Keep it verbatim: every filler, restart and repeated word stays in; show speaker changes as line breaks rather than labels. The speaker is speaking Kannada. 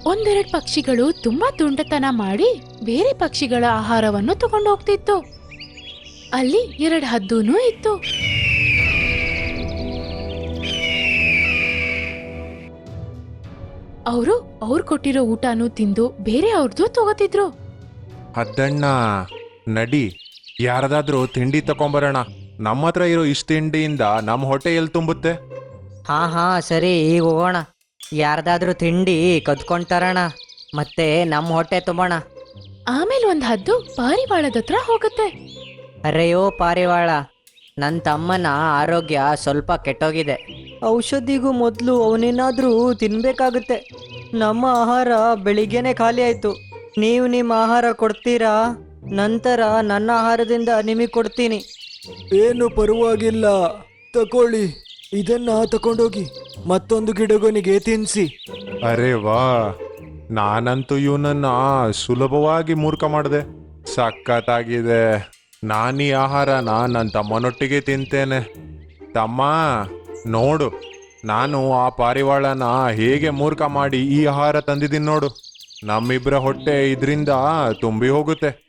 ಒಂದೆರಡು ಪಕ್ಷಿಗಳು ತುಂಬಾ ತುಂಟತನ ಮಾಡಿ ಬೇರೆ ಪಕ್ಷಿಗಳ ಆಹಾರವನ್ನು ತಗೊಂಡು ಹೋಗ್ತಿತ್ತು. ಅಲ್ಲಿ ಎರಡು ಹದ್ದೂನೂ ಇತ್ತು. ಅವರು ಅವ್ರು ಕೊಟ್ಟಿರೋ ಊಟನೂ ತಿಂದು ಬೇರೆ ಅವ್ರದ್ದು ತಗೋತಿದ್ರು.
ಹದ್ದಣ್ಣ, ನಡಿ, ಯಾರದಾದ್ರೂ ತಿಂಡಿ ತಕೊಂಬರೋಣ. ನಮ್ಮ ಹತ್ರ ಇರೋ ಇಷ್ಟ ತಿಂಡಿಯಿಂದ ನಮ್ಮ ಹೊಟ್ಟೆ ಎಲ್ಲಿ ತುಂಬುತ್ತೆ?
ಹಾ ಹಾ ಸರಿ, ಈಗ ಹೋಗೋಣ. ಯಾರ್ದಾದ್ರೂ ತಿಂಡಿ ಕದ್ಕೊಂತಾರಣ, ಮತ್ತೆ ನಮ್ಮ ಹೊಟ್ಟೆ ತುಂಬೋಣ.
ಆಮೇಲೆ ಒಂದ್ ಹದ್ದು ಪಾರಿವಾಳದ ಹತ್ರ ಹೋಗುತ್ತೆ.
ಅರೆಯೋ ಪಾರಿವಾಳ, ನನ್ನ ತಮ್ಮನ ಆರೋಗ್ಯ ಸ್ವಲ್ಪ ಕೆಟ್ಟೋಗಿದೆ. ಔಷಧಿಗೂ ಮೊದಲು ಅವನೇನಾದ್ರೂ ತಿನ್ಬೇಕಾಗುತ್ತೆ. ನಮ್ಮ ಆಹಾರ ಬೆಳಿಗ್ಗೆನೆ ಖಾಲಿ ಆಯ್ತು. ನೀವು ನಿಮ್ಮ ಆಹಾರ ಕೊಡ್ತೀರಾ? ನಂತರ ನನ್ನ ಆಹಾರದಿಂದ ನಿಮಗೆ ಕೊಡ್ತೀನಿ.
ಏನು ಪರವಾಗಿಲ್ಲ, ತಕೊಳ್ಳಿ, ಇದನ್ನ ತಕೊಂಡೋಗಿ ಮತ್ತೊಂದು ಗಿಡಗೊನಿಗೆ ತಿನ್ಸಿ.
ಅರೆ ವಾ, ನಾನಂತೂ ಇವನನ್ನ ಸುಲಭವಾಗಿ ಮೂರ್ಖ ಮಾಡಿದೆ. ಸಖತ್ತಾಗಿದೆ. ನಾನೀ ಆಹಾರನ ನನ್ನ ತಮ್ಮನೊಟ್ಟಿಗೆ ತಿಂತೇನೆ. ತಮ್ಮ, ನೋಡು, ನಾನು ಆ ಪಾರಿವಾಳನ ಹೇಗೆ ಮೂರ್ಖ ಮಾಡಿ ಈ ಆಹಾರ ತಂದಿದ್ದೀನಿ ನೋಡು. ನಮ್ಮಿಬ್ಬರ ಹೊಟ್ಟೆ ಇದರಿಂದ ತುಂಬಿ ಹೋಗುತ್ತೆ.